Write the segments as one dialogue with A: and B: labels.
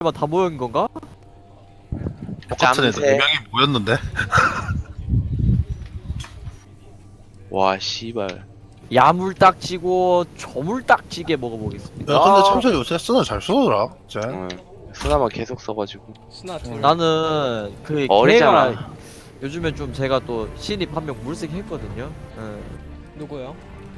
A: 다 모인 건가?
B: 똑같은 애들
C: 짬새.
B: 4명이 모였는데.
C: 와 씨발.
A: 야물딱지고 저물딱지게 먹어보겠습니다.
B: 야 근데 참새 요새 쓰나 잘 쓰더라. 쟤.
C: 쓰나만 계속 써가지고.
D: 스나트.
A: 나는 그
C: 어리잖아.
A: 걔가 요즘에 좀 제가 또 신입 한 명 물색했거든요.
D: 누구요?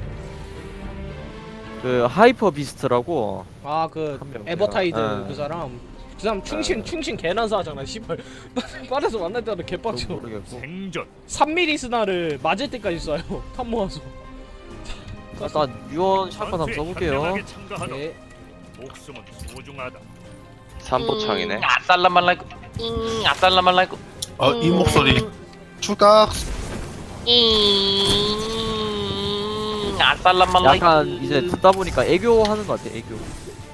A: 그 하이퍼 비스트라고
D: 아 그
A: 한 명.
D: 에버타이드
A: 어.
D: 그 사람. 그 사람 충신 개난사 하잖아. 씨발. 빠르서 만날 때마다
A: 좀
D: 개빡쳐.
A: 모르겠고.
E: 생존
D: 3mm 스나를 맞을 때까지 쏴요. 탑 모아서.
A: 일단 유언 샷건 한번
E: 전투에
A: 써볼게요.
E: 현명하게 참가하도록.
D: 네.
E: 목숨은 소중하다.
C: 삼보창이네. 아살라말라이쿠. 아살라말라이쿠.
B: 이 목소리. 출각.
C: 아살라말라이쿠.
A: 약간 이제 듣다 보니까 애교하는 것 같아. 애교.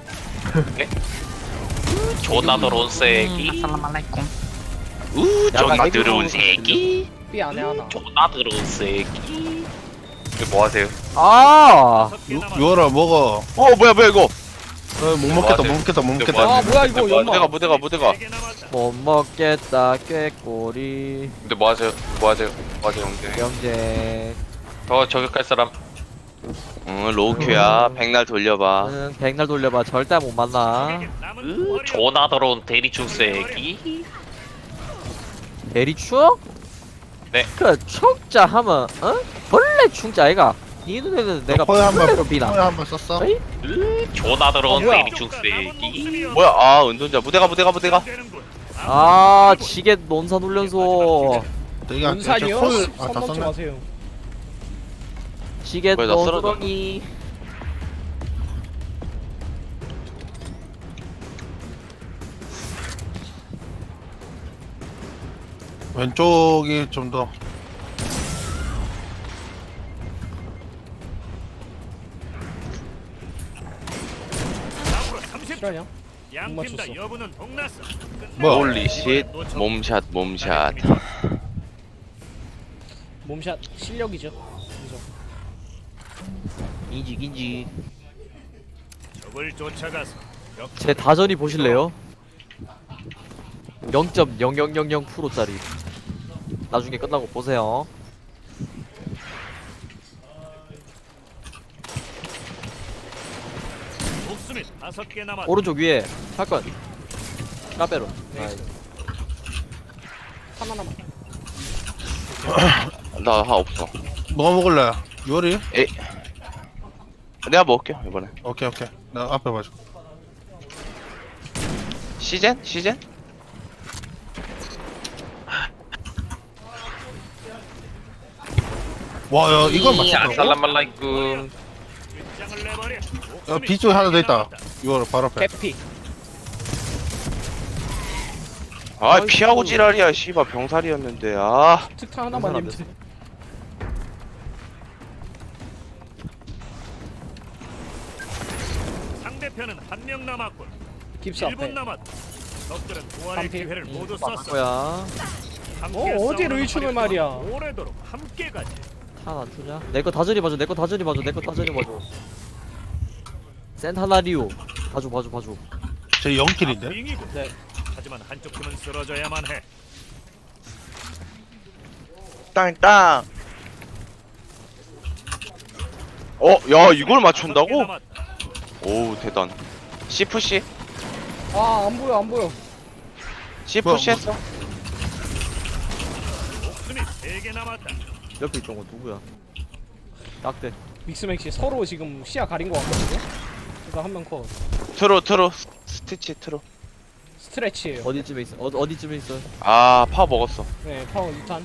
C: 존나 더러운 새끼.
F: 아살라말라이쿰.
C: 존나
A: 약간
C: 더러운
A: 애교
C: 새끼.
D: B 안에 하나.
C: 존나 더러운 새끼. 이거 뭐 하세요?
A: 아,
E: 다섯 개 남았다.
B: 유월아 먹어.
C: 뭐야 이거?
B: 못 먹겠다 못
C: 맞아요.
B: 먹겠다 못 먹겠다.
D: 아 뭐야 이거 연마.
C: 무대가.
E: 세개 남았다.
A: 못 먹겠다 꾀꼬리
C: 근데 뭐 하세요 형제?
A: 경제.
C: 더 저격할 사람. 로우큐야. 백날 돌려봐.
A: 나는 백날 돌려봐 절대 못 만나.
E: 세계 남은 화력.
C: 존나 더러운 대리충 새끼.
A: 대리충?
C: 네.
A: 그 충자 하면 벌레 충자 아이가? 니 눈에는 내가
B: 허에 한번
A: 벌레로 비나?
B: 허에 한번 썼어?
A: 에이?
C: 존나 더러운
D: 뭐야?
C: 대리충 새끼. 뭐야? 은둔자 무대가.
E: 되는군.
A: 아 지게 논산 훈련소.
B: 되게
D: 문산이요?
B: 다
D: 선 넘지
B: 썼네.
D: 마세요.
A: 지게
C: 뭐야, 나 쓰러졌나?
A: 논두렁이.
B: 왼쪽이 좀 더.
E: 앞으로 30초.
D: 실화냐?
E: 양팀 다
D: 맞췄어.
E: 여부는 동났어.
B: 뭐야?
C: 홀리쉿. 몸샷.
D: 몸샷 실력이죠. 그죠?
A: 인지.
E: 적을 쫓아가서
A: 제 다전이 보실래요? 0.0000%짜리. 나중에 끝나고 보세요.
E: 목숨이 5개 남았다.
A: 오른쪽 위에 샷건. 까베로.
D: 네. 하나만.
C: 나 없어.
B: 뭐 먹을래? 유월이?
C: 내가 먹을게 이번에.
B: 오케이. 나 앞에 봐줘.
C: 시젠?
B: 와, 야 이걸 맞췄다고?
C: 아살라말라이쿰.
E: 장을 내버려.
B: 야, B 쪽에 하나 더 있다. 유월 바로 앞에.
D: 개피.
C: 피하고 지랄이야. 씨발 병살이었는데. 아.
D: 특탄 하나만
A: 사람
D: 입지.
E: 상대편은 한 명 남았군.
D: 깁스
E: 1분
D: 앞에.
E: 남았다. 적들은 부활의
D: 반피.
E: 기회를 모두
A: 맞을
E: 썼어.
A: 거야.
E: 함께
D: 어디로
E: 싸우는
D: 이충을
E: 화력은
D: 말이야.
E: 오래도록 함께 가지.
A: 탄안 주냐? 내 거 다전이 봐줘. 센타나리오. 봐줘.
B: 제 0킬인데?
E: 빙이고.
D: 네.
E: 하지만 한쪽 팀은 쓰러져야만 해.
C: 땅. 야 이걸 맞춘다고?
E: 5개 남았다.
C: 오 대단. C 푸시?
D: 안 보여.
C: C
B: 뭐야,
C: 푸시했어?
E: 목숨이 3개 남았다.
A: 옆에 있던 거 누구야? 딱대.
D: 믹스맥시 서로 지금 시야 가린 거 같거든요. 그러니까 한 명 컷.
C: 트로 스티치 트로.
D: 스트레치예요.
A: 어디쯤에 있어? 어디쯤에 있어?
C: 아 파워 먹었어.
D: 네, 파워 2탄.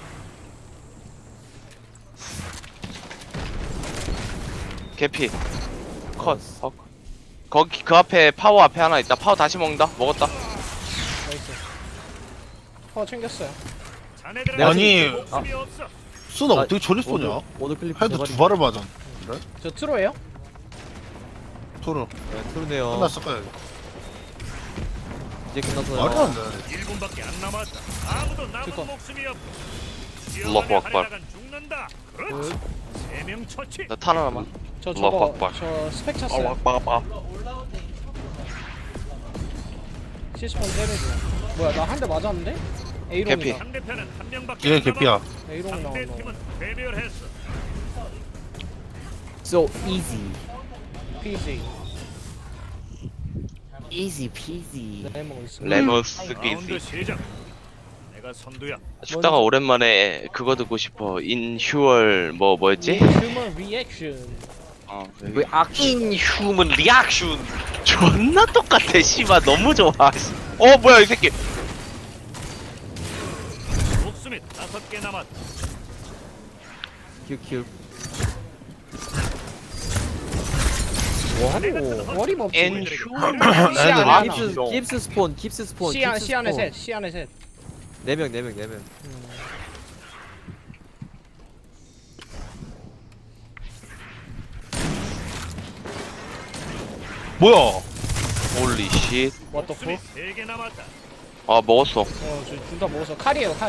C: 개피 컷. 거기 그 앞에 파워 앞에 하나 있다. 파워 다시 먹는다. 먹었다.
D: 나이스. 파워 챙겼어요.
E: 자네들은
A: 내가
B: 아니,
E: 목숨이 없어.
B: 쓰나
A: 아,
B: 어떻게 저리 쏘냐?
A: 오늘 클립
B: 헤드 두 발을 맞아. 그래?
D: 저 트로예요?
B: 토르.
A: 네, 그러네요.
B: 끝났을 거야.
A: 이제 끝났어요.
B: 말이 안 돼.
E: 1분밖에 안 남았다. 아무도 남은
D: 잠깐.
E: 목숨이 없고.
C: 알라후
E: 위험하게
C: 악발.
E: 하려다간 죽는다. 그렇지. 3명 처치.
C: 나 탄 하나만.
D: 저
C: 알라후
D: 저거
C: 악발.
D: 저 스펙 찼어요. 시스폰 때려줘. 뭐야 나 한 대 맞았는데?
C: 개피.
D: A롱이다.
E: 상대편은 한 명밖에
B: 얘
E: 안
B: 개피야.
E: 남았다.
D: A롱 나온다.
E: 상대팀은 괴멸했어.
A: So easy.
D: PG.
A: easy peasy.
D: 레몬 있어.
C: 레머스
E: 라운드
C: 기지.
E: 시작. 내가 선두야.
C: 죽다가 오랜만에 그거 듣고 싶어. 인휴얼 뭐였지?
D: 휴먼 리액션.
A: 왜
C: 인휴먼 리액션. 존나 똑같아. 씨발 너무 좋아. 뭐야 이 새끼.
E: 목숨이 5개 남았다.
A: 큐큐. 와우.
D: 어림없지.
C: 인휴먼.
D: 시야
A: 깁스 스폰, 깁스 스폰.
D: 시 안에 셋. 시 안에 셋.
A: 4명, 4명, 4명.
B: 뭐야?
C: 홀리 쉣.
D: What the
E: 목숨이
D: fuck?
E: 3개 남았다.
C: 아 먹었어.
D: 둘다 먹었어. 칼이에요 칼.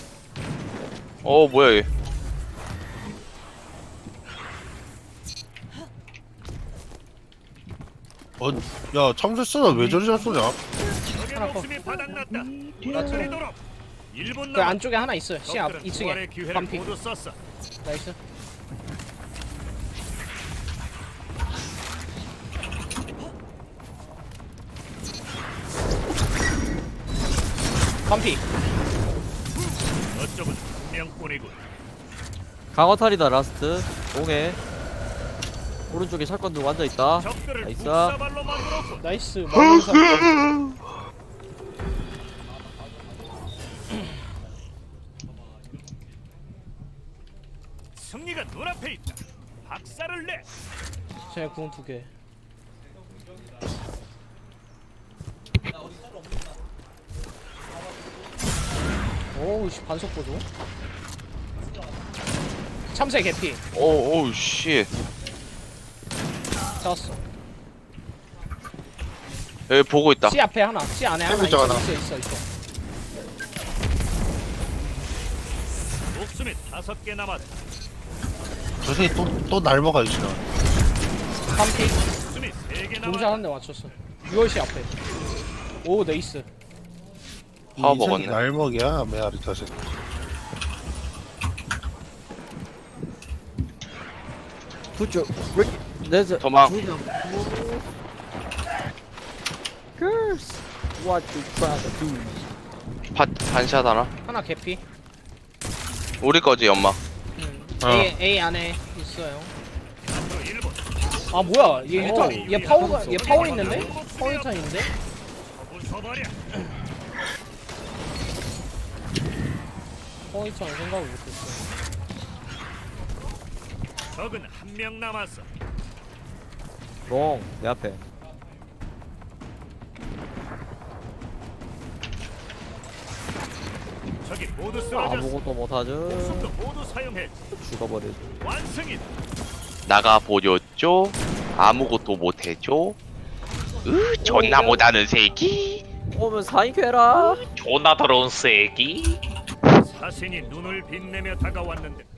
C: 뭐야 얘.
B: 야 참새 쓰나 왜 저리 잘 쏘냐?
E: 적의
D: 하나
E: 목숨이 바닥났다.
D: 나처럼.
E: 돌리도록. 1분
D: 그
E: 남았다.
D: 안쪽에 하나 있어요. 시 앞
E: 적들은 부활의
D: 2층에.
E: 기회를
D: 반피.
E: 모두 썼어.
D: 나이스. 반피.
E: 저쪽은 한 명뿐이군.
A: 강화탈이다 라스트. 동해. 오른쪽에 샷건 들고 앉아있다.
E: 적들을
A: 나이스.
E: 국사발로 만들었군.
D: 나이스. 마무사.
E: 승리가 눈앞에 있다. 박살을 내.
D: 제 궁 2개. 오우 씨 반속 보조. 참새 개피.
C: 오우 쉣.
D: 잡았어.
C: 여기 보고 있다.
D: C 앞에 하나. C 안에 하나
B: 있죠,
D: 있어.
B: 하나.
D: 있어.
E: 목숨이 5개 남았다.
B: 저 새끼 또 날 먹어 이 시간.
D: 반피.
E: 목숨이 3개
D: 동작
E: 남았다.
D: 한 대 맞췄어. 6월씨 앞에. 오 네이스.
C: 파워
B: 이 새끼
C: 먹었네.
B: 날 먹이야 메아리 저 새끼.
A: 부쩍. 내자.
C: 도망.
A: Girls. What you try to do?
C: 반샷 하나.
D: 하나 개피.
C: 우리 거지 연막.
D: A 안에 있어요.
E: 앞으로 1분.
D: 아 뭐야? 얘 유탄.
A: 오.
D: 얘 파워가 얘 파워 있는데? 파워 유탄인데?
E: 부숴버려.
D: 파워 유탄 생각을 못했어.
E: 적은 한 명 남았어.
A: 롱. 내 앞에.
E: 적이 모두 쓰러졌어.
A: 아무것도 못하죠.
E: 목숨도 모두 사용해.
A: 죽어버려.
E: 완승이다.
C: 나가 보였죠. 아무것도 못해줘. 존나 못하는 새끼.
A: 오면 사인캐라.
C: 존나 더러운 새끼.
E: 사신이 눈을 빛내며 다가왔는데